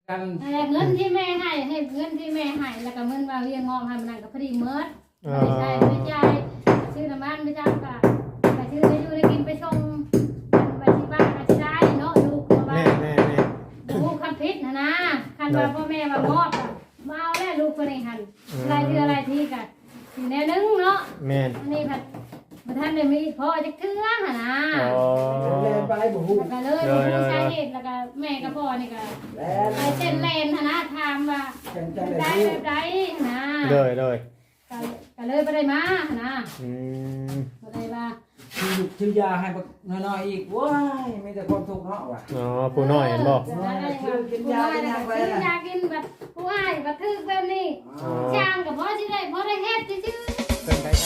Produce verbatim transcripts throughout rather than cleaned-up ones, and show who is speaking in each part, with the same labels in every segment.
Speaker 1: กัน
Speaker 2: เงินที่แม่ให้ให้เงินที่แม่ให้แล้วก็เงินว่าเรียงงอมให้มันนั่นก็พอดีเมิดไม่ใช่ไม่ใช่ซื้อน้ำมันไม่ใช่ก็ไปซื้อไปอยู่ได้กินไปส่งไปที่บ้านก็ได้เนาะลูกเพราะว่าลูกคันพิษนะนะคันว่าพ่อแม่มามอบอ่ะมาเอาแล้วลูกคนนี้หันอะไรคืออะไรที่กันอยู่แนวนึงเนาะแม่นี่ผัดมาท่านเลยมีพ่อจะเกลือหนะ
Speaker 1: เล่นไปบุหู
Speaker 2: แล้วก็เลยบุหูใช้เหตุแล้วก็แม่กับพ่อนี่ก็ไปเต้นเลนนะถามว่าได้แบบใดนะ
Speaker 3: เลยเลย
Speaker 2: ก็เลยไปได้มานะไปได้มา
Speaker 1: ชื่อยาให้น้อยๆอีกว้ายไม่แต่ความทุกข์เนาะว่ะ
Speaker 3: อ๋อผู้น้อยเห็นบ่
Speaker 2: กินยากินยาไปยากินแบบผู้อ้ายแบบทึกแบบนี้ช่างกับพ่อชื่อได้พ่อได้เฮ็ดชื่อเป็นไป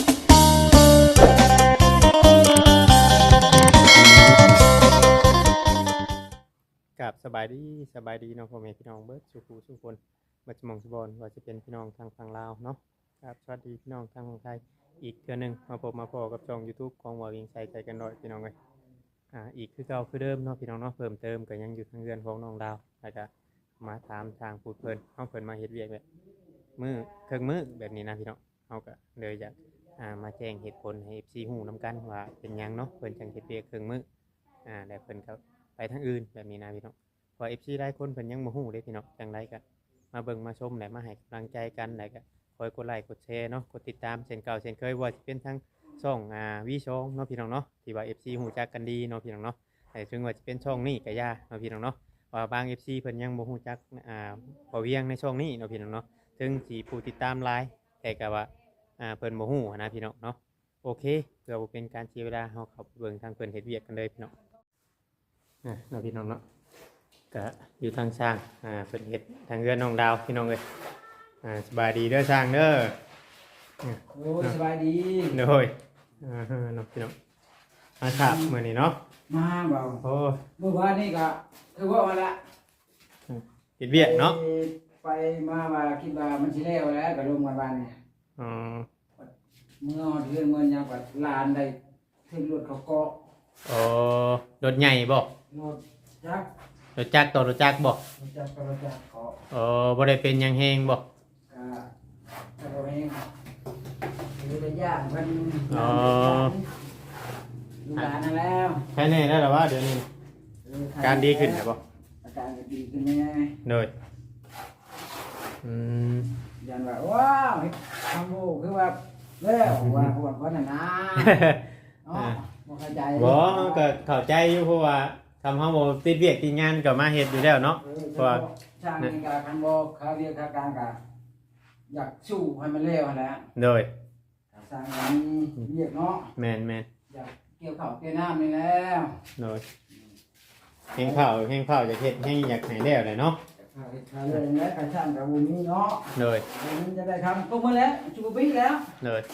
Speaker 3: กับสบายดีสบายดีเนาะพ่อแม่พี่น้องเบิร์ดสุขุสุขคนบัจมองสุบอนว่าจะเป็นพี่น้องทางฝั่งลาวเนาะครับสวัสดีพี่น้องทางฝั่งไทยอีกเทื่อนึงมาพบมาพอกับช่อง YouTube ของว่าวิ่งใส่ใจกันหน่อยพี่น้องเอ้ยอ่าอีกคือเก่าคือเดิมเนาะพี่น้องเนาะเพิ่มเติมก็ยังอยู่ทางเรือนของน้องดาวแล้วก็มาถามทางพูดเพิ่นเฮาเพิ่นมาเฮ็ดเวียกแบบมื้อเครื่องมื้อแบบนี้นะพี่น้องเฮาก็เลยอยากอ่ามาแจ้งเหตุผลให้ เอฟ ซี ฮู้นํกันว่าเป็นหยังเนาะเพิ่นจังเฮ็ดเวียกเครื่องมื้ออ่าแล้วเพิ่นก็ไปทางอื่นแบบนี้นะพี่น้องพอ เอฟ ซี หลายคนเพิ่นยังบ่ฮู้เด้พี่น้องจังไดก็มาเบิ่งมาชมและมาให้กำลังใจกันแล้วก็คอยกดไลค์กดแชร์เนาะกดติดตามเช่นเก่าเช่นเคยว่าสิเป็นทั้งช่องอ่าวิช่องเนาะพี่น้องเนาะที่ว่า เอฟ ซี ฮู้จักกันดีเนาะพี่น้องเนาะแต่ถึงว่าจะเป็นช่องนี้ก็ย่าเนาะพี่น้องเนาะว่าบาง เอฟ ซี เพิ่นยังบ่ฮู้จักอ่าพอเวียงในช่องนี้เนาะพี่น้องเนาะถึงสิผู้ติดตามหลายแต่ก็ว่าอ่าเพิ่นบ่ฮู้นะพี่น้องเนาะโอเคเพื่อบ่เป็นการเสียเวลาเฮาเข้าไปเบิ่งทางเพิ่นเฮ็ดเวียกกันเลยพี่น้องอ่ะเนาะพี่น้องเนาะก็อยู่ทางช่างอ่าเพิ่นเฮ็ดทางเรือนน้องดาวพี่น้องเอ้ยอ่าสบายดีเด้อช่างเด้อ
Speaker 1: โอ้ยสบายดี
Speaker 3: โดยอ่าเนาะพี่น้องมาครับมื้อนี้เนาะ
Speaker 1: มาเบา
Speaker 3: โอ้
Speaker 1: เมื่อวานนี้ก็คือว่ามาละ
Speaker 3: เฮ็ดเวียกเนาะ
Speaker 1: ไปมาว่าคิดว่ามันสิแล้วแล้วก็ลงมาบ้านนี่
Speaker 3: อ๋อ
Speaker 1: เมื่อเดือนเงินยังว่าลานได้ขึ้นรถเขาเกาะ
Speaker 3: อ๋อรถใหญ่บ่
Speaker 1: รถจักร
Speaker 3: รถจักรต่อรถจักรบ่
Speaker 1: รถจักรต่อรถจักรเกาะ
Speaker 3: อ๋อบ่ได้เป็นหยังแฮงบ่
Speaker 1: ก็ก็บ่แฮงคือได้ย่างเพิ่น
Speaker 3: อ๋อ
Speaker 1: ลูกหลานนั่นแล้ว
Speaker 3: แค่นี้แล้วล่ะว่าเดี๋ยวนี้การดีขึ้นใช่บ่
Speaker 1: อาการก็ดีขึ้นแน่
Speaker 3: โดยอืม
Speaker 1: ยันว่าว้าวทำโอ้คือว่าแล้วว่าปวดว่าน่ะนะอ๋อบ่เข้าใจ
Speaker 3: บ่ก็เข้าใจอยู่เพราะว่าทำเฮาบ่ติดเวียกติดงานก็มาเฮ็ดอยู่แล้วเนาะเพราะว่า
Speaker 1: ช่างนี่ก็คันบ่เขาเรียกค่าการก็อยากสู้ให้มันเร็วนั่นแหละ
Speaker 3: โดย
Speaker 1: สร้างอันนี้เรียกเนาะ
Speaker 3: แม่น
Speaker 1: ๆอยากเกี่ยวข้าวเกี่ยวน้ำนี่แล้ว
Speaker 3: โดยแห้งข้าวแห้งข้าวจะเฮ็ดให้อยากให้แล้วเลยเนาะ
Speaker 1: ข้าวเลยแล้วก็ช่างกับบุญนี้เนาะ
Speaker 3: โดย
Speaker 1: มันจะได้ทำก็มาแล้วจุบบิ๊กแล้ว
Speaker 3: โดย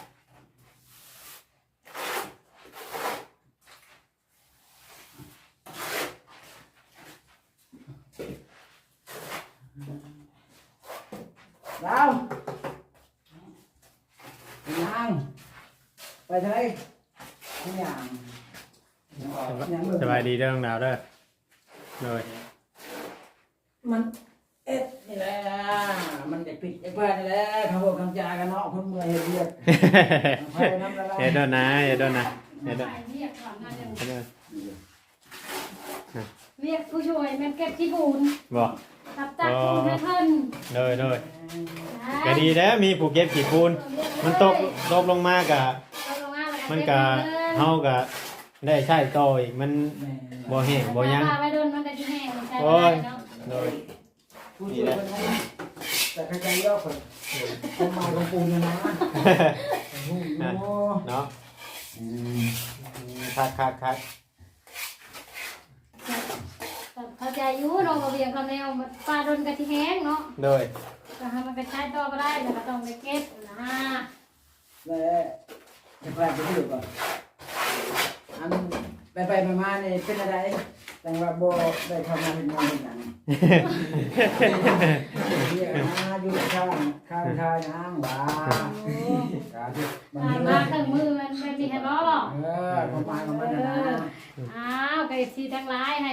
Speaker 1: ดาวยังไปทะเลยัง
Speaker 3: สบายดีเด้อน้องดาวเด้อโดย
Speaker 1: มันเอ็ดนี่แหละมันจะปิดไอ้บ้านนี่แหละเขาบอกคำจากันเนาะคนเมื่อยเรียก
Speaker 3: เฮ็ดด้วยนะเฮ็ดด้วยนะเฮ็ดด้วย
Speaker 2: เรียกผู้ช่วยแม่เก็บที่ปูน
Speaker 3: บ่
Speaker 2: ตับตักปูนให้เพิ่น
Speaker 3: โดยโดยก็ดีแล้วมีผู้เก็บขี้ปูนมันตกตกลงมาก็มันก็เฮาก็ได้ใช้ต่ออีกมันบ่แห้งบ่ยังโอ้ยโดย
Speaker 1: นี่แหละแต่ใครๆย่อคนคนมาลงปูนนะ
Speaker 3: เนาะคักคักคัก
Speaker 2: เข้าใจอยู่เราก็เบียงคำแนวปลาโดนกะทิแห้งเนาะ
Speaker 3: โดย
Speaker 2: ก็ให้มันไปใช้ต่อก็ได้แต่ก็ต้องไปเก็บนะ
Speaker 1: แล้วจะไปไปดูก่อนอันไปไปมาๆนี่เป็นอะไรแต่ว่าโบได้ทำงานเป็นงานเป็นหนังเรียกมาอยู่ข้างข้างทางนางบ้า
Speaker 2: มามาเครื่องมือมันเป็นดีให้บ่
Speaker 1: เออประมาณประมาณนั้น
Speaker 2: อ้าวไก่สีทั้งหลายให้ฮู้นะ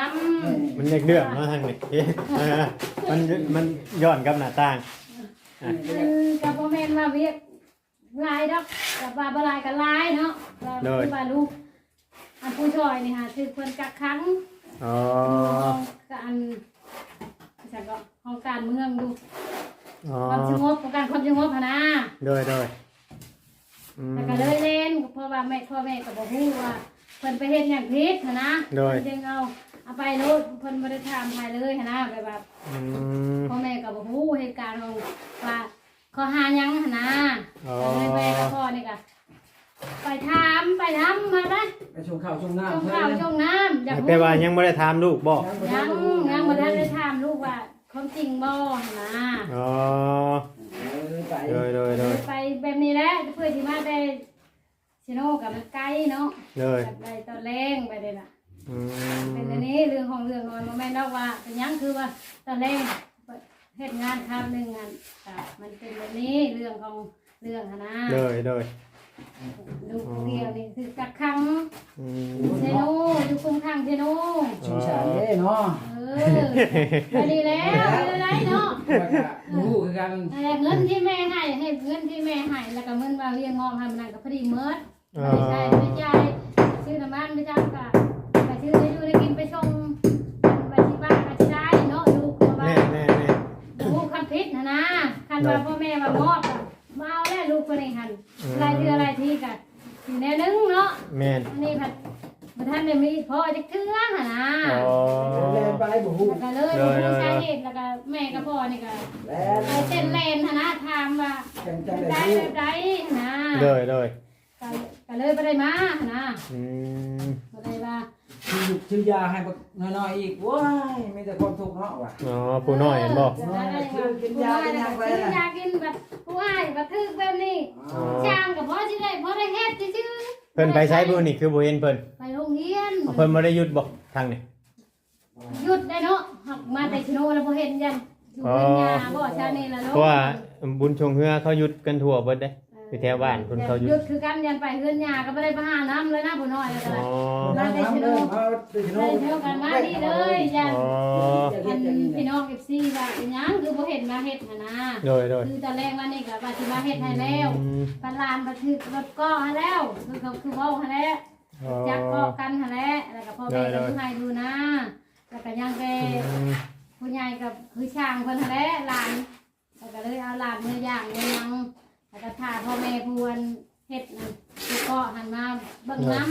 Speaker 2: ำ
Speaker 3: มันอยากเดือดเนาะทางนี้เออมันมันย้อนกับหน้าต่าง
Speaker 2: คือกับพ่อแม่มาเวียกลายดอกกับว่าบ่ลายกับลายเนาะเราคือว่าลูกอันผู้ช่วยนี่ฮะคือเพิ่นกักขัง
Speaker 3: อ๋อ
Speaker 2: การจังก็ของการเมืองดู
Speaker 3: อ๋อ
Speaker 2: ความสงบของการความสงบนะ
Speaker 3: โดยโดยอืม
Speaker 2: แล้วก็เลยเล่นเพราะว่าแม่พ่อแม่ก็บอกว่าเพิ่นไปเฮ็ดอย่างผิดนะเพิ่นจึงเอาเอาไปโลดเพิ่นบ่ได้ถามใครเลยนะแบบว่า
Speaker 3: อืม
Speaker 2: พ่อแม่ก็บ่ฮู้เหตุการณ์ของว่าขอหาหยังนะ
Speaker 3: อ๋อ
Speaker 2: เลยแม่กับพ่อนี่ก็ไปถามไปทำมาได้
Speaker 1: ไปชงข้าวชงน้ำ
Speaker 2: ชงข้าวชงน้ำอยาก
Speaker 3: แต่ว่ายังบ่ได้ถามลูกบ่
Speaker 2: ยังยังบ่ทันได้ถามลูกว่าความจริงบ่นะ
Speaker 3: อ๋อ
Speaker 1: ไป
Speaker 3: โดยโดยโดย
Speaker 2: ไปแบบนี้แหละเพื่อที่มาได้ชิโน่กับมันไกลเนาะ
Speaker 3: โดย
Speaker 2: ไปตอนแรงไปเลยล่ะ
Speaker 3: อืม
Speaker 2: เป็นอันนี้เรื่องของเรื่องนอนมาแม่นอกว่าเป็นยังคือว่าตอนแรกเฮ็ดงานทำหนึ่งงานมันเป็นแบบนี้เรื่องของเรื่องนะ
Speaker 3: โดยโดย
Speaker 2: ลูกเดียวนี่คือกักขัง
Speaker 3: อืม
Speaker 2: เชโน่อยู่คุมขังเชโน่
Speaker 1: ชงชาเด้เนาะ
Speaker 2: เออไปดีแล้วไปได้เนาะ
Speaker 1: รู้คือกัน
Speaker 2: แต่เงินที่แม่ให้ให้เงินที่แม่ให้แล้วก็เงินว่าเลี้ยงงอมให้มันนั่นก็พอดีเมิดไม่ใช่ไม่ใช่ซื้อน้ำมันไม่ใช่ก็ไปซื้อได้อยู่ได้กินไปชงไปที่บ้านไปที่ได้เนาะดูว่า
Speaker 3: แน่แน่แน่
Speaker 2: ดูคำพิษนะนะคันว่าพ่อแม่มามอบอะมาเอาแล้วลูกคนนี้หันอะไรที่อะไรที่กันอยู่แนวนึงเนาะ
Speaker 3: แม่น
Speaker 2: นี่ผัดมาท่านได้มีพ่อจะเทื่อหนะ
Speaker 3: อ๋อ
Speaker 1: เล่นไปบ่ฮู้
Speaker 2: แล้วก็เลยผู้ชายเหตุแล้วก็แม่กับพ่อนี่ก็
Speaker 1: แล้ว
Speaker 2: ไปเต้นเล่นหนะถามว่า
Speaker 1: จังจัง
Speaker 2: ได้
Speaker 1: ได้
Speaker 2: แบบใดนะ
Speaker 3: โดยโดย
Speaker 2: ก็ก็เลยไปได้มานะ
Speaker 3: อืม
Speaker 2: ก็เลยว่า
Speaker 1: ชื่อชื่อยาให้บักน้อยๆอีกว้ายมีแต่คนทุกข์เนาะว่ะ
Speaker 3: อ๋อผู้น้อยเห็นบ่
Speaker 2: จะได้ว่าผู้น้อยแล้วก็ซื้อยากินแบบผู้อ้ายแบบทึกแบบนี้
Speaker 3: อ๋อ
Speaker 2: ช่างกับพ่อที่ได้พ่อได้เฮ็ดซื่อ
Speaker 3: เพิ่นไปใช้บุญนี่คือบ่เห็นเพิ่น
Speaker 2: ไปโรงเรียน
Speaker 3: เพิ่นบ่ได้หยุดบ่ทางนี้
Speaker 2: หยุดได้เนาะหักมาแต่ชโนแล้วบ่เห็นยันอยู่เป็นยาบ่ชานี่ละ
Speaker 3: เพ
Speaker 2: เนาะ
Speaker 3: ราะว่าบุญชงเฮือเขาหยุดกันทั่วเบิดเด้อยู่แถวบ้านเพิ่นเขาหยุ
Speaker 2: หยุ
Speaker 3: ด
Speaker 2: ดคือกันยันไปเฮือนยาก็บ่ได้ไปหาน้ำเลยนะผู้น้อยแล้วก็
Speaker 3: อ๋อ
Speaker 1: มาแต่ชโนเอาแต่ชโน
Speaker 2: ได้เท่ากันมาดีเลยยัน
Speaker 3: อ๋อ
Speaker 2: อันพี่น้อง เอฟ ซี ว่าอีหยังคือบ่เห็นมาเฮ็ดหั่นนะ
Speaker 3: โดยโดย
Speaker 2: คือตอนแรกว่านี่ก็ว่าสิมาเฮ็ดให้แล้วปันลานบ่ถึกรถก้อให้แล้วคือเขาคือเว้าให้แล้ว
Speaker 3: อ๋อ
Speaker 2: จักก้อกันให้แล้วแล้วก็พ่อแม่ก็ดูให้ดูนะแล้วก็ยังไป
Speaker 3: อืม
Speaker 2: ผู้ใหญ่กับคือช่างเพิ่นหั่นแหละหลานแล้วก็เลยเอาหลานเนื้อย่างเนื้อยังแล้วก็ถ่าพ่อแม่พวนเฮ็ดนั่นคือก็หันมาเบิ่งน้ำ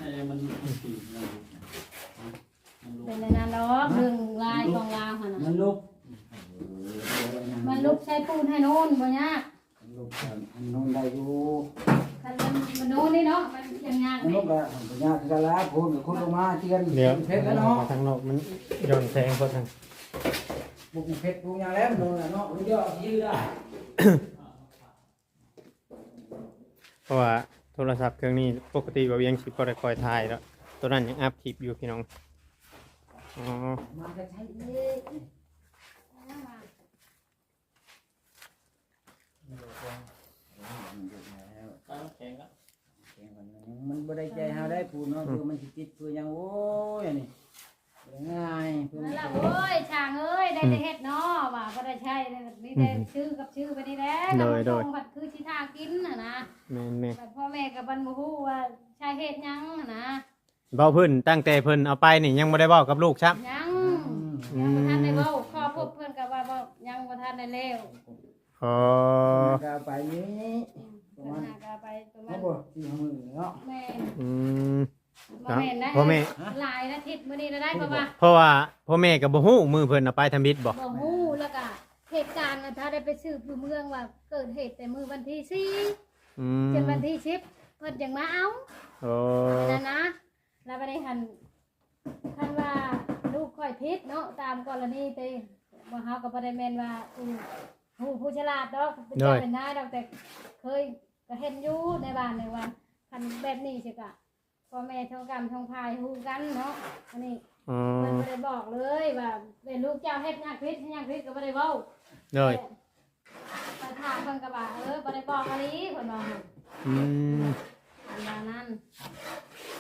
Speaker 2: เป็นในนั้นดอกเรื่องลายกองลาวหั่น
Speaker 1: มั
Speaker 2: น่ะ
Speaker 1: นลุก
Speaker 2: มันลุกใช้ปูนให้โน่นบ่ยาก
Speaker 1: มันลุกกันมันนอนได้อยู่
Speaker 2: คันมันมันโน่นนี่เนาะมันยังยาก
Speaker 1: มัน
Speaker 2: ไหม
Speaker 1: ลุกอะมันยากคือกันละพูดกับคนลงมาเตียน
Speaker 3: เดี๋ยว
Speaker 1: เพชรแล้วเนาะ
Speaker 3: ทางนอกมันย้อนแสงเพราะทาง
Speaker 1: บุกเพชรบุกอย่างแล้วมันโดนแล้วเนาะมันเยอะยืดได้
Speaker 3: เพราะว่าโทรศัพท์เครื่องนี้ปกติบ่ยังสิบ่ได้คอยถ่ายแล้วตัวนั้นยังอัพคลิปอยู่พี่น้องอ๋อ
Speaker 1: มาจะใช้เอง มันบ่ได้ใจเฮาได้พูดเนาะคือมันสิติดคือหยังโอ้ยนี่บ่ได้ง่ายคือ
Speaker 2: นั่
Speaker 1: มัน น
Speaker 2: แหละโอ้ยช่างเอ้ยได้แต่เฮ็ดเนาะว่าบ่ได้ใช้เลยมีแต่ชื่อกับชื่อไปนี่แหละกับส่งบัดคือสิทากินน่ะนะ
Speaker 3: แม่นแม่น
Speaker 2: แต่พ่อแม่กับบันบ่ฮู้ว่าใช้เฮ็ดหยังน่ะนะ
Speaker 3: เว้าเพิ่นตั้งแต่เพิ่นเอาไปนี่ยังบ่ได้เว้ากับลูกครับ
Speaker 2: ยังยังบ่ทันได้เว้าขอพบเพิ่นก็ว่าบ่ยังบ่ทันได้แล้ว
Speaker 3: อ๋อ
Speaker 1: ก็ไปนี้ป
Speaker 2: เพิ่
Speaker 1: ระ
Speaker 2: น
Speaker 1: มาณ
Speaker 2: หาก็ไปประมา
Speaker 1: เฮา
Speaker 2: ณ
Speaker 1: บ่สิเฮามือเนาะ
Speaker 2: แม่
Speaker 3: อืม
Speaker 2: บ่แม่นนะ
Speaker 3: พ่อแม่
Speaker 2: หลายอาทิตย์มื้อนี้ได้เพราะว่า
Speaker 3: เพราะว่าพ่อแม่ก็บ่ฮู้มือเพิ่นเอาไปทำบิดบ่
Speaker 2: บ่ฮู้แล้วก็เหตุการณ์น่ะถ้าได้ไปสืบอยู่เมืองว่าเกิดเหตุแต่มื้อวันที่สี่
Speaker 3: อืม
Speaker 2: จนวันที่สิบเพิ่นจังมาเอา
Speaker 3: โอ้
Speaker 2: นั่นนะแล้วบ่ได้หันคันว่าลูกค่อยผิดเนาะตามกรณีแต่บ่เฮาก็บ่ได้แม่นว่าอู้ผู้ผู้ฉลาดดอกเป็นเจ้าเป็นนายดอกแต่เคยก็เห็นอยู่ในบ้านในว่าคันแบบนี้สิกะพ่อแม่ทองกรรมทองพายฮู้กันเนาะอันนี้
Speaker 3: อ๋อ
Speaker 2: เพิ่นบ่ได้บอกเลยว่าเป็นลูกเจ้าเฮ็ดหยังผิดเฮ็ดหยังผิดก็บ่ได้เว้า
Speaker 3: เลย
Speaker 2: ไปถามเพิ่นก็ว่าเออบ่ได้บอกอะลีเพิ่นว่า
Speaker 3: อืม
Speaker 2: อันว่านั้น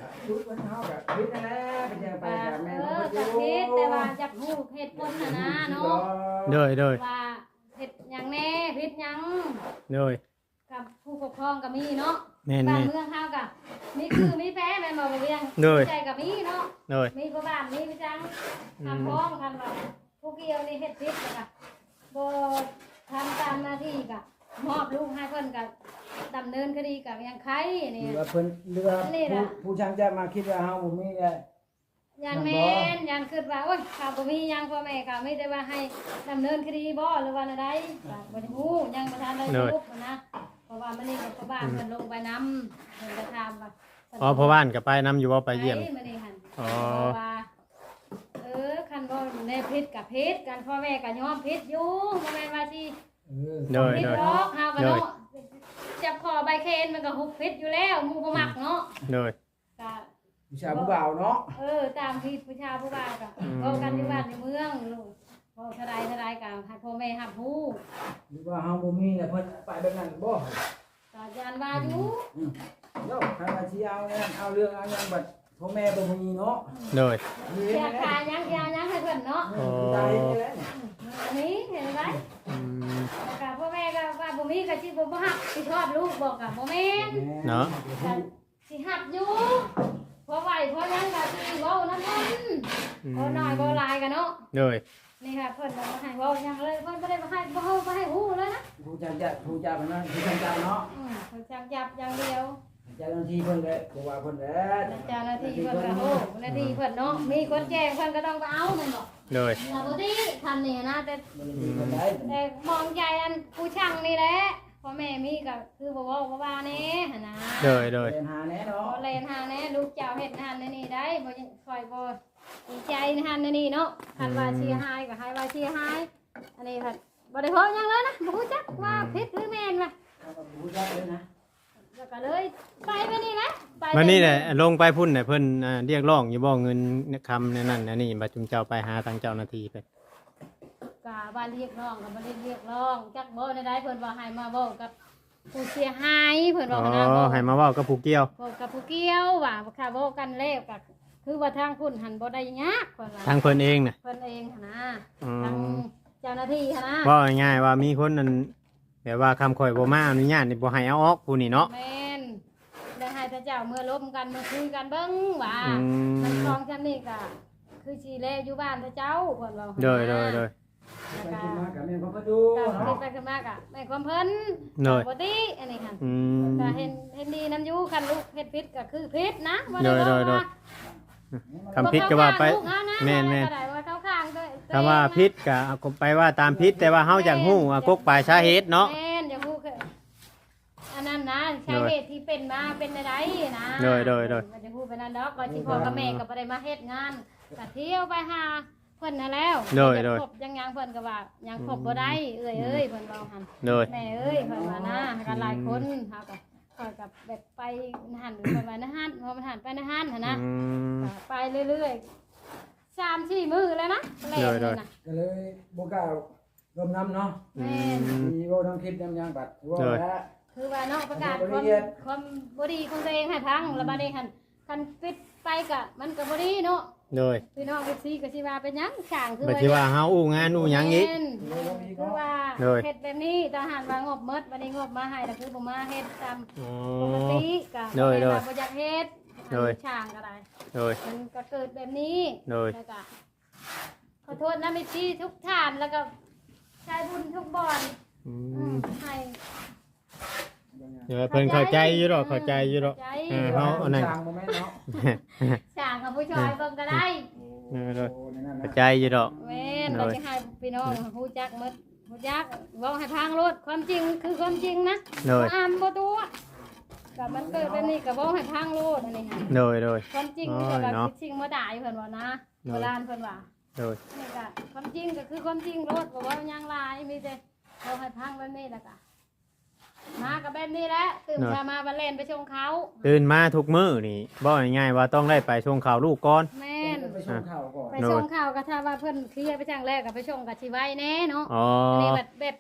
Speaker 1: ชุดวันเฮาแบบพิษนั่นแหละไปเจอไป
Speaker 2: ว่า
Speaker 1: กับแม่
Speaker 2: เอ
Speaker 1: เขา
Speaker 2: อ
Speaker 1: ก็
Speaker 2: จากเฮ็ดแต่ว่าจากฮู้เหตุผลน่ะนะเนาะ
Speaker 3: โดยโดย
Speaker 2: ว่าเฮ็ดหยังแน่ผิดหยัง
Speaker 3: โดย
Speaker 2: กับผู้ปกครองก็มีเนาะ
Speaker 3: แม่น
Speaker 2: บ้าน
Speaker 3: แม่น
Speaker 2: เมืองเฮาก็มีคือมีแพ้แม่นบ่บ่เวียง
Speaker 3: โดย
Speaker 2: ใจก็มีเนาะ
Speaker 3: โดย
Speaker 2: มีผู้บ้านมีผู้จังทำพ้องคันว่าผู้เกี่ยวนี่เฮ็ดผิดแล้วก็บ่ทำตามหน้าที่ก็มอบลูกให้เพิ่นก็ดำเนินคดีกับยังใครนี่
Speaker 1: เรือเพิ่นเรือผู้ผู้ช่างจะมาคิดว่าเฮาบ่มีแหละ
Speaker 2: ยันแม่นยันคิดว่าโอ้ยข้าบ่มีหยังพ่อแม่ก็ไม่ได้ว่าให้ดำเนินคดีบ่หรือว่าอะไรก็บ่ได้ฮู้ยังบ่ทันได้รู้นะเพราะว่ามันนี่กับพ่อบ้านเพิ่นลงไปนำเพิ่นก็ถามว่า
Speaker 3: อ๋อพ่อบ้านก็ไปนํอยู่ว่าไปเยี่ยม
Speaker 2: ไปมื้อนี้หั่น
Speaker 3: อ๋อ
Speaker 2: เพราะว่าเออคันบ่ในผิดกับผิดกันพ่อแม่ก็ยอมผิดอยู่บ่แม่นว่าสิ
Speaker 1: เออ
Speaker 3: โดย
Speaker 2: ผิด
Speaker 3: โดย
Speaker 2: ดอกเฮาก็เนาะจับคอใบเคนมันก็ฮุบผิดอยู่แล้วหมู่บ่มักเนาะ
Speaker 3: โดย
Speaker 2: ก็
Speaker 1: ผู้ชายผู้บ่าวเนาะ
Speaker 2: เออตามที่ผู้ชายผู้บ่าวก็
Speaker 3: อืม
Speaker 2: เว้ากันอยู่บ้านในเมืองลูกเว้าเท่าใดเท่าใดก็ให้พ่อแม่รับรู้
Speaker 1: หรือว่าเฮาบ่มีแล้วเพิ่นไปแบบนั้นบ่
Speaker 2: ก็ยานว่าอยู่
Speaker 1: อืมโยคันว่าสิเอาเนี่ยเอาเรื่องเอาหยังบัดพ่อแม่บ่มีเนาะ
Speaker 3: โดย
Speaker 1: มี
Speaker 2: เสีย
Speaker 1: แน่
Speaker 2: ค่าหยังยาหยังให้เพิ่นเนาะ
Speaker 1: ๆใจนี่แหละ
Speaker 2: อันนี้เห็นไหม
Speaker 3: อืม
Speaker 2: แล้วก็พ่อแม่ก็ว่าบ่มีก็สิบ่บ่ฮักสิชอบลูกบอกก็บ่แม่น
Speaker 3: เนาะ
Speaker 2: ก็สิฮักอยู่เพราะไหวเพราะหยังก็สิเว้านำเพิ่น
Speaker 3: อืม
Speaker 2: บ่น้อยบ่หลายกันเนาะ
Speaker 3: โดย
Speaker 2: นี่ค่ะเพิ่นบ่ให้เว้าหยังเลยเพิ่นบ่ได้มาให้บ่เฮาบ่ให้ฮู้เลยนะ
Speaker 1: ผู้ช่างจะผู้ช่างมันนั่นผู้ช่างจะเนาะ
Speaker 2: อืมเพิ่นจับจับอย่างเดียว
Speaker 1: เจ้าหน้าที่เพิ่นเลยบ่ว่าเพิ่นแหละ
Speaker 2: เจ้าหน้าที่เพิ่นก็โอ้หน้าที่เพิ่นเนาะมีคนแจ้งเพิ่นก็ต้องไปเอาแม่นบ่
Speaker 3: โดย
Speaker 2: แต่บ่ดีทันนี่นะแต่
Speaker 1: บ่ได้มีคนใด
Speaker 2: แต่มองใจอันผู้ช่างนี่แหละพ่อแม่มีก็คือบ่เว้าบ่ว่าแน่หั่นนะ
Speaker 3: โดยโดย
Speaker 1: เป็นหาแน่
Speaker 2: บ่
Speaker 1: เนาะ
Speaker 2: เล่นหาแน่ลูกเจ้าเฮ็ดหันนี่ได้บ่คอยบ่ดีใจในหันนี่เนาะคันว่าเสียหายก็ให้ว่าเสียหายอันนี้ค่ะบ่ได้เพ้อหยังเลยนะบ่ฮู้จักว่าผิดหรือแม่นว่ะ
Speaker 1: เอากับผู้ช่างเลยนะ
Speaker 2: แล้วก็เลยไปไปนี่นะไป
Speaker 3: วันนี้แหละลงไปพุ่นน่ะเพิ่นอ่าเรียกร้องอยู่บ่เงินคำนั่นนั่นอันนี่บัดจุมเจ้าไปหาทางเจ้าหน้าที่ไป
Speaker 2: ก็ว่าเรียกร้องก็บ่ได้เรียกร้องจักบ่ได้ได้เพิ่นว่าให้มาเว้ากับผู้เสียหายเพิ่น
Speaker 3: อ๋
Speaker 2: ว่า
Speaker 3: อ
Speaker 2: หั่นนะ
Speaker 3: ให้มาเว้ากับผู้เกี่ยว
Speaker 2: เว้ากับผู้เกี่ยวว่าค่ะเว้ากันแล้วก็คือว่าทางคุณหันบ่ได้ยากเพิ่นว่า
Speaker 3: ทางเพิ่นเองน่ะ
Speaker 2: เพิ่นเองหั่นนะ
Speaker 3: อื
Speaker 2: ทาง
Speaker 3: ม
Speaker 2: เจ้าหน้าที่หั่นนะ
Speaker 3: เว้าง่ายๆว่ามีคนนั่นแบบว่าคำข่อยบ่มาอนุญาตนี่บ่ให้เอาออกผู้นี่เนาะ
Speaker 2: แม่นได้ให้พระเจ้าเมื่อล้มกันเมื่อคุยกันเบิ่งว่า
Speaker 3: อืม
Speaker 2: มันคลองจันนี่ก็คือสิแลอยู่บ้านพระเจ้าเพิ่นว่า
Speaker 3: โดยโดยโดย
Speaker 2: แล้ว
Speaker 1: ไป
Speaker 2: ก็
Speaker 1: กินมากับแม่ของพระดู
Speaker 2: ก็
Speaker 1: เนาะ
Speaker 2: คิดไปขึ้นมาก็แม่ความเพิ่น
Speaker 3: โดย
Speaker 2: บ่ดีอันนี้หั่น
Speaker 3: อืม
Speaker 2: ก็เห็นเห็นดีนํอยู่คันลูกเฮ็ดผิดก็คือผิดนะบ่
Speaker 3: โด
Speaker 2: ได้
Speaker 3: ยโดยโดย
Speaker 2: ว่า
Speaker 3: คำพิษก็ว่าไป
Speaker 2: บ่เข้ข้งลูกเฮาะ
Speaker 3: แม่นแม่น
Speaker 2: ก็ได้ว่าเข้าข้างด้วย
Speaker 3: คำว่าพิษก็เอาไปว่าตามพิษแต่ว่าเฮาอยากฮู้ว่ากกปลายสาเหตุเนาะ
Speaker 2: แม่นอย่าฮู้คืออันนั้นนะสาเหตุที่เป็นมาเป็นอะไรนะ
Speaker 3: โดยโดยโดย
Speaker 2: มันจะพูดไปนั่นดอกก่อนที่พ่อกับแม่ก็บ่ได้มาเฮ็ดงานก็เที่ยวไปหาเพิ่นนั่นแล้ว
Speaker 3: โดยโดย
Speaker 2: ครบยังยังเพิ่นก็ว่ายังครบบ่ได้เอ้ยเอ้ยเพิ่นเว้าหั่น
Speaker 3: โดย
Speaker 2: แม่เอ้ยเพิ่นว่านะกันหลายคนเฮาก็ข้อยกับแบบไปหันเพิ่นว่านะฮั่นพอมันหันไปนะฮั่นหั่นนะ
Speaker 3: อืม
Speaker 2: ก็ไปเรื่อยๆสามสี่มื้อแล้วนะแล่น
Speaker 3: โด
Speaker 2: นี่
Speaker 3: ย
Speaker 2: นะ
Speaker 1: ก็เลยบ่กล้าลมน้ำเนาะ
Speaker 2: แม่น
Speaker 1: มีเว้าทั้งคลิปน้ำยางบัดว่าแล้ว
Speaker 2: คือว่าเนาะประกาศ
Speaker 1: บ่
Speaker 2: ความ
Speaker 1: ละเอียด
Speaker 2: ความบ่ดีของตัวเองให้พังแล้วบัดนี้หั่นคันปิดไปก็มันก็บ่ดีเนาะ
Speaker 3: โดย
Speaker 2: พี่น้องเอฟซีก็สิว่าเป็นหยังช่างคือ
Speaker 3: บัดที่ว่าเฮาอู้งานอู้หยังอีก
Speaker 2: แม่นคือว่า
Speaker 3: โดย
Speaker 2: เฮ็ดแบบนี้ทหารว่างบหมดบัดนี้งบมาให้แล้วคือบ่มาเฮ็ดตาม
Speaker 3: อ๋อ
Speaker 2: ปกติก็
Speaker 3: โดยโดย
Speaker 2: บ่อยากเฮ็ด
Speaker 3: โดย
Speaker 2: ช่างก็ได้
Speaker 3: โดย
Speaker 2: มันก็เกิดแบบนี้
Speaker 3: โดย
Speaker 2: แล้วก็ขอโทษนะเอฟซีทุกท่านแล้วก็ชายบุญทุกบ่อน
Speaker 3: อื
Speaker 2: อื
Speaker 3: ม
Speaker 2: มให้
Speaker 3: เดี๋ยวเพิ่นเข้าใจอยู่ดอกเข้าใจอยู่ดอก
Speaker 2: เข้าใจ
Speaker 3: เออเฮาอันนั้น
Speaker 1: จางบ่แม่นเนาะ
Speaker 2: ช่างกับผู้ชายเบิ่งก็ได้
Speaker 3: เออโดย
Speaker 1: โอ้ในนั้น
Speaker 3: เข้า
Speaker 1: นะ
Speaker 3: ใจอยู่ดอก
Speaker 2: แม่น
Speaker 3: โด
Speaker 2: เรา
Speaker 3: ย
Speaker 2: จะให้พี่น้องฮู้จักหมดฮู้จักเว้าให้พังโลดความจริงคือความจริงนะ
Speaker 3: โดย
Speaker 2: บ่อามบ่ตัวกับมันเกิดแบบนี้ก็เว้าให้พังโลดอันนี้ค่ะ
Speaker 3: โดยโดย
Speaker 2: ความจริง
Speaker 3: โอ้
Speaker 2: ก็
Speaker 3: ย
Speaker 2: แบบ
Speaker 3: เนาะ
Speaker 2: คิดจริงบ่ได้เพิ่นว่านะ
Speaker 3: โดย
Speaker 2: โบราณเพิ่นว่า
Speaker 3: โดย
Speaker 2: นี่ก็ความจริงก็คือความจริงโลดบ่เว้าหยังหลายมีแต่เว้าให้พังแบบนี้แล้วก็มากับแบบนี้แหละตื่นเช้ามาบันเล่นไปชงเขา
Speaker 3: ตื่นมาทุกมื้อนี่บอกง่ายๆว่าต้องได้ไปส่งข่าวลูกก่อน
Speaker 2: แม่น
Speaker 1: ไปชมข่าวก่อน
Speaker 2: ไปชงข่าวก็ถ้าว่าเพิ่นเคลียร์ไปจังแรกก็ไปชงกับสิไว้แน่เนาะ
Speaker 3: อ๋อ
Speaker 2: อันนี้แบบแบบ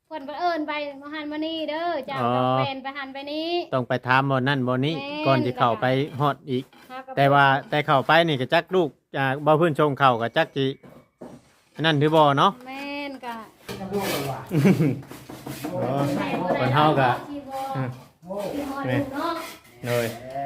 Speaker 2: เพิ่นก็เอิ้นไปมาหันมานี่เด้อเจ้า
Speaker 3: อ๋อ
Speaker 2: ต้องเป็นไปหันไปนี้
Speaker 3: ต้องไปถามบ่นั่นบ่นี้
Speaker 2: แม่น
Speaker 3: ก่อนที่เข้าไปฮอดอีก
Speaker 2: เฮก็
Speaker 3: แต่ว่าแต่เข้าไปนี่ก็จักลูกอ่าบ่เพิ่นชงเข้าก็จักสิอันนั้นถือบ่เนาะ
Speaker 2: แม่นก็
Speaker 1: น้ำลูกเลยว่ะ
Speaker 3: อ๋อ
Speaker 2: แม่บ่
Speaker 3: เพิ่
Speaker 2: ได้
Speaker 3: นเฮาก็
Speaker 2: ที่บ่
Speaker 3: อืม
Speaker 1: โอ้
Speaker 2: ที่ฮอดลูกเนาะ
Speaker 3: เลย
Speaker 1: แล้ว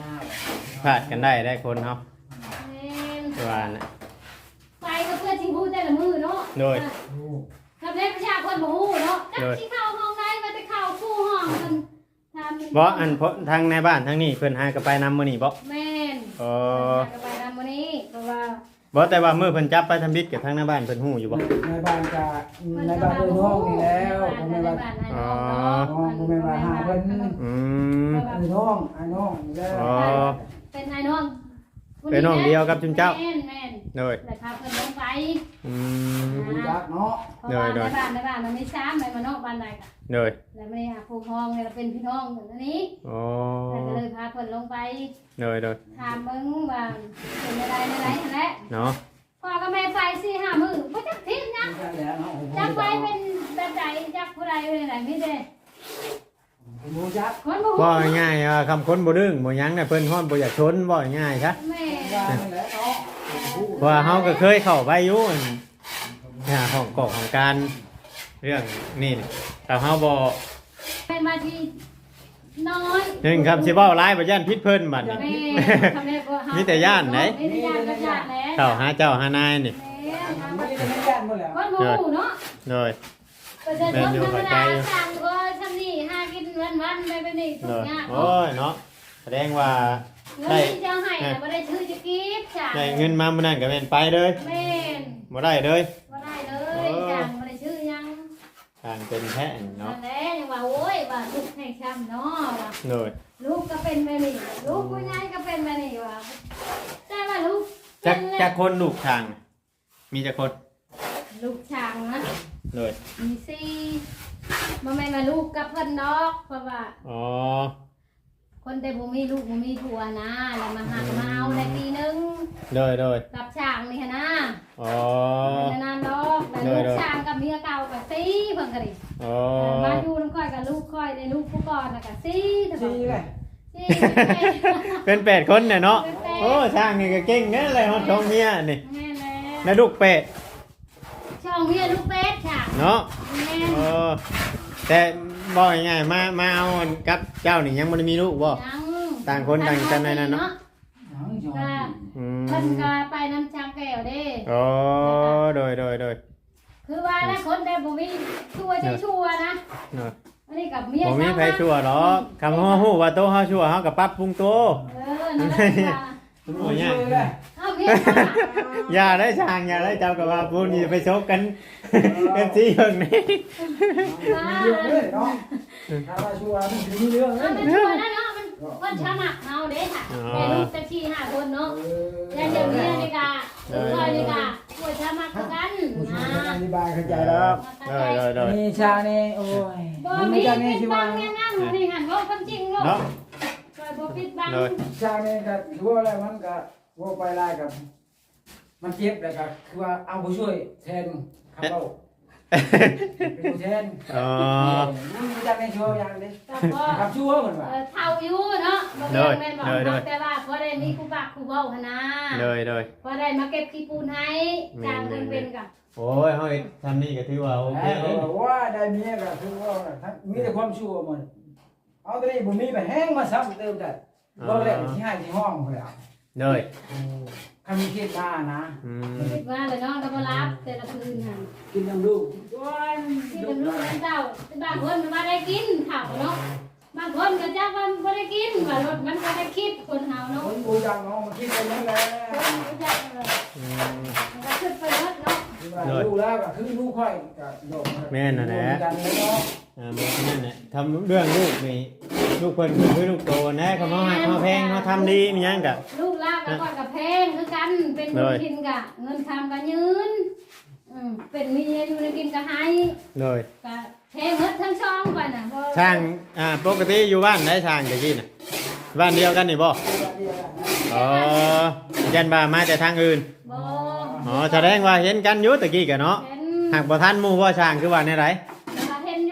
Speaker 3: พลาดกันได้ได้คนเฮา
Speaker 2: แม่น
Speaker 3: คือว่าน่ะ
Speaker 2: ไปก็เพื่อสิฮู้แต่ละมื้อเนาะ
Speaker 3: โดย
Speaker 1: ลูก
Speaker 2: กับเด็กประชาชนบ่ฮู้เนาะจัก
Speaker 3: โดย
Speaker 2: สิเข้าห้องใดมาแต่เข้าคู่ห้องมันทำ
Speaker 3: บ่อันเพราะทางในบ้านทางนี้เพิ่นหาก็ไปนำมื้อนี้บ่
Speaker 2: แม่น
Speaker 3: อ๋อ
Speaker 2: ก็ไปนำมื้อนี้เพราะว่า
Speaker 3: บ่แต่ว่ามื้อเพิ่นจับไปทำบิดกับทางในบ้านเพิ่นฮู้อยู่บ่
Speaker 1: ในบ้านกะในบ้านเดินห้องนี่แล้วผม
Speaker 2: ใน
Speaker 1: ในบ้าน
Speaker 2: บ้านให้น้องเนาะ
Speaker 1: อ๋อผมไม่มาหาเพิ่น
Speaker 3: อืม
Speaker 1: ไอ้น้องไอ้น้องนี่แล้ว
Speaker 3: อ๋อ
Speaker 2: เป็นไอ้น้อง
Speaker 3: เป็นน้องเดียวกับจุนเจ้า
Speaker 2: แม่นแม่น
Speaker 3: โดย
Speaker 2: แต่พาเพิ่นลงไป
Speaker 3: อืม
Speaker 1: รู้จักเนาะ
Speaker 2: เพราะว่า
Speaker 3: โด
Speaker 2: ใน
Speaker 3: ย
Speaker 2: บ้านในบ้านมันมีสามในมานอกบ้านใดก็
Speaker 3: โดย
Speaker 2: แล้วไม่ได้หาผู้ห้องเนี่ยเราเป็นพี่น้องเหมือนอันนี้
Speaker 3: อ๋อ
Speaker 2: แต่ก็เลยพาเพิ่นลงไป
Speaker 3: โดยโดย
Speaker 2: ถามมึงว่าเป็นอะไรในไรนั่นแหละ
Speaker 3: เนาะ
Speaker 2: พ่อกับแม่ไปสี่ห้ามื้อบ่จักทิ้งนะ
Speaker 1: รู้จักแล้วเนาะ
Speaker 2: จักไปเป็นแบบใดจักผู้ใดเป็นอะไรมีแต่
Speaker 1: ผมรู้จัก
Speaker 2: คนบ่
Speaker 3: บ่
Speaker 2: ฮู้
Speaker 3: ง่ายๆอ่ะคำคนบ่ดึงบ่หยังน่ะเพิ่นฮ้อนบ่อยากชนบ่ง่ายซะ
Speaker 2: แม่
Speaker 1: ว่านั่นแหละเนาะ
Speaker 3: เพราะว่าเฮาก็เคยเข้าไปอยู่อั่นหาห้องกอกของการเรื่องนี่นี่แต่เฮาบ่
Speaker 2: เป็นมาที่น้อย
Speaker 3: หนึ่งครับสิเว้าหลายบ่ย่านพิษเพิ่นบัดนี้
Speaker 2: แม่ทำได้บ่เฮา
Speaker 3: มีแต่ย่านไหน
Speaker 2: มีแต่ย่านก็ย่านแหละ
Speaker 3: เข้าหาเจ้าหานายนี่
Speaker 2: แม่ทำ
Speaker 1: ไม่
Speaker 2: มา
Speaker 1: ได้ไม่ยันหมดแล้ว
Speaker 2: คนบ่ฮู้เนาะ
Speaker 3: โดย
Speaker 2: ประชาชนธรรมดาสั่งก็ทำนี่หากินวันๆไปไปนี่ทุ
Speaker 3: โด
Speaker 2: ก
Speaker 3: ย
Speaker 2: อย่าง
Speaker 3: โอ้ยเนาะแสดงว่า
Speaker 2: เงินที่เจ้าให้น่ะบ่ได้ชื่อจะกีบจ้ะ
Speaker 3: ได้เงินมามื้อนั้นก็แม่นไปเลย
Speaker 2: แม่น
Speaker 3: บ่ได้เลย
Speaker 2: บ่ได้เลยจ้ะบ่ได้ชื่อยัง
Speaker 3: ทางเป็นแท้เนาะ
Speaker 2: นั่นแหละยังว่าโอ้ยว่าลูกให้ช้ำเนาะว่า
Speaker 3: โดย
Speaker 2: ลูกก็เป็นแบบนี้ลูกผู้ใหญ่ก็เป็นแบบนี้ว่าแต่ว่าลูก
Speaker 3: จัก
Speaker 2: เป็น
Speaker 3: จักคนลูกทาง มีจักคน
Speaker 2: ลูกช่างนะ
Speaker 3: โดย
Speaker 2: มีสี่บ่แม่นว่าลูกกับเพิ่นดอกเพราะว่า
Speaker 3: อ๋อ
Speaker 2: คนแต่บ่มีลูกบ่มีผัวนะแล้วมาหักมาเอาได้ปีนึง
Speaker 3: โดยโดย
Speaker 2: กับช่างนี่หั้นนะ
Speaker 3: อ๋อ
Speaker 2: เป็นนานดอกแต่ลูกช่างกับเมียเก่ากับซีเพิ่นก็ดิ
Speaker 3: อ๋อ
Speaker 2: มาอยู่น้ำค่อยกับลูกค่อยในลูกผู้ก่อนน่ะกับซีแต่บอ
Speaker 1: ดี
Speaker 2: ก
Speaker 1: เลย
Speaker 2: ซี
Speaker 3: เป็นแปดคนเนี่ยเนาะ
Speaker 2: เป็นแปด
Speaker 3: โอ้ช่างนี่ก็เก่งแน่เลยฮอดท้องเมียนี่
Speaker 2: แม่แล้ว
Speaker 3: แล้วลูกเป็ด
Speaker 2: ช่องเมียลูกเป็ดค่ะ
Speaker 3: เนาะ
Speaker 2: แม่
Speaker 3: เออแต่บอกง่ายๆมามาเอากับเจ้านี่ยังบ่ได้มีลูกบ่
Speaker 2: ยัง
Speaker 3: ต่างคนต่างกันในนั้นเนาะ
Speaker 1: ยังยอ
Speaker 2: ก็
Speaker 1: ม
Speaker 3: อื
Speaker 2: เพิ่น
Speaker 3: ม
Speaker 2: ก็ไปน้ำช้างแก้วเด้
Speaker 3: อ๋อโดยโดยโดย
Speaker 2: คือว่านะคนแต่บ่มีชั่วใช่ชั่วนะ
Speaker 3: เนาะ
Speaker 2: อันนี้กับเมีย
Speaker 3: บ่มีไผชั่วหรอกคำว่าฮู้ว่าโตเฮาชั่วเฮาก็ปรับปรุงตัว
Speaker 2: เออนั่นแหละว่า
Speaker 3: โอ้ยยาก
Speaker 1: เลย
Speaker 2: เอาเมียเขาน่ะ
Speaker 3: อย่าได้ช่างอย่าได้เจ้ากับว่าพูนี่ไปชกกัน เอฟซีเบิ่งนี่
Speaker 1: มีเรื่องเลยเนาะถ้าว่าชัวร์มันมีเรื่องเล
Speaker 2: เอา
Speaker 1: ย
Speaker 2: เป็นชั่วนะเนาะมันคนชะมักเอาเด้ค่ะแต่ลูกแต่สี่ห้าคนเนาะ ยายเจ้าเมียนี่กะลูกชายนี่กะปวดชามักกัน
Speaker 1: ผู้ชา
Speaker 2: นะ
Speaker 1: ยอธิบายเข้าใจแล้ว
Speaker 3: โดยโดยโดย
Speaker 1: นี่ชานี่โอ้ย
Speaker 2: บ่
Speaker 1: มัน
Speaker 2: มี
Speaker 1: มีชา
Speaker 2: ปิ
Speaker 1: นี่
Speaker 2: ด
Speaker 1: ที่
Speaker 2: บั
Speaker 1: ว่าง
Speaker 2: แง่งๆนี่หันว่าความจริงลูก
Speaker 3: เนาะ
Speaker 2: คอยบ่ปิดบัง
Speaker 3: โดย
Speaker 1: ชานี่ก็ถือว่าอะไรมันก็ว่าไปไล่กับ มันเจ็บเลยก็คือว่าเอาผู้ช่วยแทนครับเราเป็นผู้แทน
Speaker 3: อ๋อ
Speaker 1: มันจะไม่ชัวร์อย่างนี้
Speaker 2: กับพ่อ
Speaker 1: ครับชัวร์เหมือนว่า
Speaker 2: เอ่อเท่าอยู่เนาะบ่แม่นแม่นบอกเนาะแต่ว่าพอได้มีครูบักครูเว้าหั่นนะ
Speaker 3: โดยโดย
Speaker 2: พอได้มาเก็บขี้ปูนให้จ้างเพิ่นเป็นกะ
Speaker 3: โอ้ยเฮาทำนี่ก็ถือว่าโอเค
Speaker 1: เออว่าได้เมียก็คือว่าทั้งมีแต่ความชัวร์หมดเอาตัวนี้บ่มีไปแห้งมาซ้ำเติมได้รอบแรกที่ให้ที่ห้องพุ่นแหล้ว
Speaker 3: โดย
Speaker 1: คันมีเคสมานะ
Speaker 3: อืม
Speaker 2: คิดว่าแล้วเนาะก็บ่รับแต่ละคืนหั่น
Speaker 1: กินน้ำลูกว้าย
Speaker 2: ที่เป็นลูกนั้นเจ้าบางคนมันบ่ได้กินข้าวเนาะบางคนก็จักว่าบ่ได้กินว่ารถมันก็ได้คิดคนเฮาเนาะ
Speaker 1: คนบูจังน้องมาคิดไปนั่นแหละ
Speaker 2: คนรู้จักเออ
Speaker 3: อืม
Speaker 2: มันก็ขึ้นไปรถเนาะ
Speaker 1: ลูกแล้วก็คือลูกค่อยก็โดด
Speaker 3: แม่นน่ะแหละ
Speaker 1: กันเนาะ
Speaker 3: อ่าบอกนั่นแหละทำเรื่องลูกนี่ลูกเพิ่นคือลูกโตนะเขามาหักมาแพงเขาทำดีมีหยังกะ
Speaker 2: ลูกลากก็ก่อนกับแพงคือกันเป็นบุญกินกะเงินทำกันยืนอืมเป็นเมียอยู่ในกินก็ให้
Speaker 3: โดย
Speaker 2: กะแพงเงินทั้งช่องไปน่ะบ่
Speaker 3: ช่างอ่าปกติอยู่บ้านไหนช่างตะกี้น่ะบ้านเดียวกันนี่บ่อ๋อยันบ่ามาแต่ทางอื่น
Speaker 2: บ่
Speaker 3: อ๋อแสดงว่าเห็นกันอยู่ตะกี้กะเนาะ
Speaker 2: เห็น
Speaker 3: หากบ่ทันหมู่บ่ช่างคือว่าในไร
Speaker 2: แล้วก็เห็น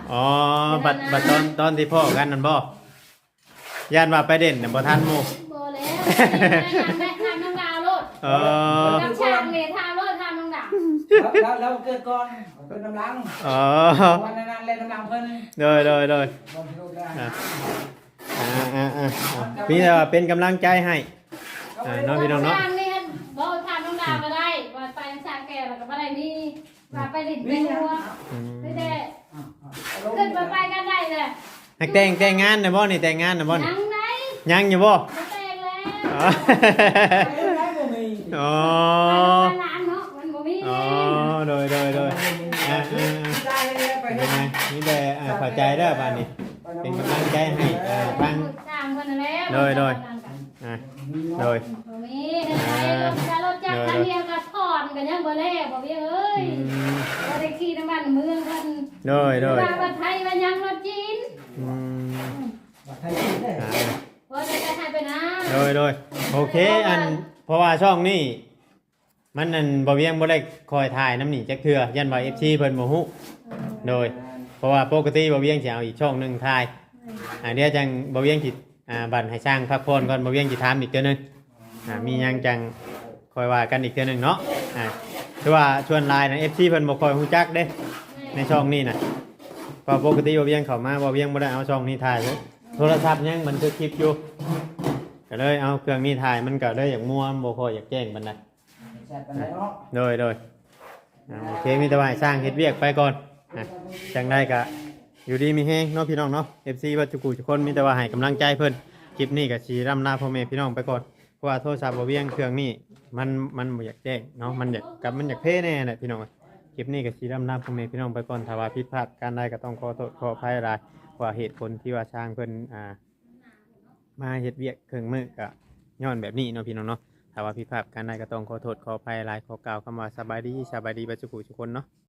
Speaker 3: อ๋อบัดบัดตอนตอนที่พ่อกันนั่นบ่ย่านว่าไปเด่นน่ะบ่ทันหมู่
Speaker 2: บ่แล้วทำแม่ทำน้องดาวโลด
Speaker 3: เออ
Speaker 2: กับช่างนี่ทำโลดทำน้องดาว
Speaker 1: แล้วแล้วเกิดก่อนเป็นน้ำลัง
Speaker 3: อ๋อ
Speaker 1: วันนั้นเล่นน้ำลังเพิ่น
Speaker 3: โดยโดยโดย
Speaker 1: บอลลูกได้
Speaker 3: อ่าอ่าอ่าอ่าพี่แต่ว่าเป็นกำลังใจให้อ่าน้องพี่น้องเนาะ
Speaker 2: ช่างนี่บ่ทำน้องดาวก็ได้ว่าไปช่างแก่แล้วก็บ่ได้มีว่าไปลิ้นไปหัว
Speaker 3: อืม
Speaker 2: ไม่ได้ขึ้นมาไปกันได้เลย
Speaker 3: นักแต่งแต่งงานนะบ่นี่แต่งงานนะบ่นี่
Speaker 2: ยังไง
Speaker 3: ยังอยู่บ่
Speaker 2: มาแต่งแล้ว
Speaker 3: อ๋อ
Speaker 1: ได้บ่มี
Speaker 3: อ๋อ
Speaker 2: ไปร้านเนาะมันบ่มี
Speaker 3: อ๋อโดยโดยโดยอ่าอ่าอ่า
Speaker 1: ได้เลยไป
Speaker 3: เป็นไงนี่แต่อ่าเข้าใจเด้อบ้านนี้เป็นกำลังใจให้อ่าฟัง
Speaker 2: สร้างคนนั่นแหละ
Speaker 3: โดยโดย อ่าโดย
Speaker 2: บ่มีได้รถจะรถจักรคันเดียวก็ถอนกันยังบ่แล้วบ่มีเอ้ย
Speaker 3: อืม
Speaker 2: บ่ได้ขี่น้ำมันเมืองเพิ่น
Speaker 3: โดยโดย
Speaker 2: ว่าประไทยว่ายังรถจีน
Speaker 3: อืม
Speaker 1: ไทยได้
Speaker 3: อ่า
Speaker 2: บ่ได้ไปไทยไปนะ
Speaker 3: โดยโดยโอเคอันเพราะว่าช่องนี้มันนั่นบ่เวียงบ่ได้คอยถ่ายน้ำหนีจักเทื่อยันว่า เอฟ ซี เพิ่นบ่ฮู้โดย เพราะว่าปกติบ่เวียงสิเอาอีกช่องหนึงถ่ายอ่าเดี๋ยวจังบ่เวียงสิอ่าบัดให้สร้างพักผ่อนก่อนบ่เวียงสิถามอีกเทื่อหนึงอ่ามีหยังจังคอยว่ากันอีกเทื่อหนึงเนาะอ่าคือว่าชวนไลน์นะ เอฟ ซี เพิ่นบ่ค่อยฮู้จักเด้ในช่องนี้น่ะเพราะปกติบ่เวียงเข้ามาบ่เวียงบ่ได้เอาช่องนี้ถ่ายเลยโทรศัพท์ยังบันทึกคลิปอยู่ก็เลยเอาเครื่องนี้ถ่ายมันก็เลยอยากม่วนบ่ค่อยอยากแจ้งปานใด
Speaker 1: แซ่บปานใดเนาะ
Speaker 3: โดยโดยอ่าโอเคมีแต่ว่าให้สร้างเฮ็ดเวียกไปก่อนอ่ะจังได้ก็อยู่ดีมีแฮงเนาะพี่น้องเนาะ เอฟ ซี วัดจุกุทุกคนมีแต่ว่าให้กำลังใจเพิ่นคลิปนี้ก็สิร่ำลาพ่อแม่พี่น้องไปก่อนเพราะว่าโทรศัพท์บ่เวียงเครื่องนี้มันมันบ่อยากแจ้งเนาะมันอยากกับมันอยากเพ่แน่แหละพี่น้องคลิปนี้ก็สิร่ำลาพ่อแม่พี่น้องไปก่อนถ้าว่าผิดพลาดการใดก็ต้องขอโทษขออภัยหลายว่าเหตุผลที่ว่าสร้างเพิ่นอ่ามาเฮ็ดเวียกเครื่องมือก็ย้อนแบบนี้เนาะพี่น้องเนาะ ถ้าว่าผิดพลาดการใดก็ต้องขอโทษขออภัยหลายขอกล่าวคำว่าสบายดีสบายดีบัดจุกุทุกคนเนาะ